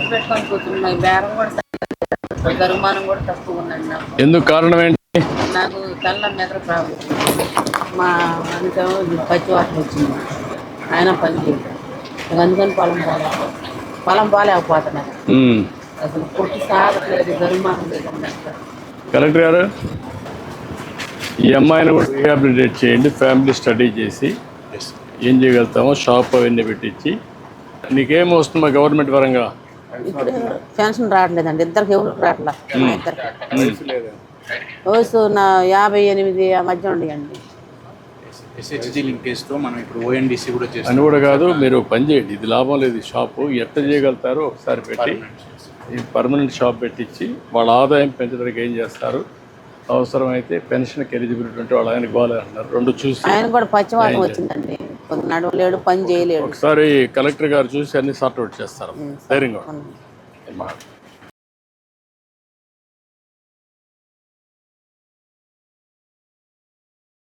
ఖర్చు పెట్టుకొని కూర్చున్నాయి. బేరం కూడా జరిమానం కూడా తక్కువ ఉందండి నాకు. ఎందుకు కారణం ఏంటి? నాకు తెల్ల నిద్ర ప్రాబ్లం. మా అందుకేమో పచ్చి వాటర్ వచ్చింది. ఆయన పని చేయదు. అందుకని పొలం పోలేకపోతున్నాను. అసలు పుట్టి సాగట్లేదు. జరిమానం లేదండి. కలెక్టర్ గారు, ఈ అమ్మాయిని కూడా రీహాబిలిటేట్ చేయండి. ఫ్యామిలీ స్టడీ చేసి ఏం చేయగలుగుతామో షాప్ అవన్నీ పెట్టించి. నీకేం వస్తుందా గవర్నమెంట్ పరంగా? ఇప్పుడు పెన్షన్ రావట్లేదండి. ఇద్దరికి ఎవరికి రావట్లేదు. వయసు నా 58 ఆ మధ్య ఉండేయండి. ఎస్హెచ్జి లింకేజ్తో మనం ఇప్పుడు ఓఎన్డీసీ కూడా చేస్తాం. అని కూడా కాదు, మీరు పని చేయండి. ఇది లాభం లేదు. ఈ షాపు ఎట్లా చేయగలుగుతారో ఒకసారి పెట్టి ఈ పర్మనెంట్ షాప్ పెట్టించి వాళ్ళ ఆదాయం పెంచడానికి ఏం చేస్తారు. అవసరమైతే పెన్షన్కి ఎలిజిబిలిటీ ఉంటే వాళ్ళు ఆయన గోలే అంటున్నారు. రెండు చూసి ఆయన కూడా పచ్చివాదం వచ్చిందండి. నడవలేడు, పని చేయలేడు. ఒకసారి కలెక్టర్ గారు చూసి అన్ని సార్ట్ అవుట్ చేస్తారు. ధైర్యంగా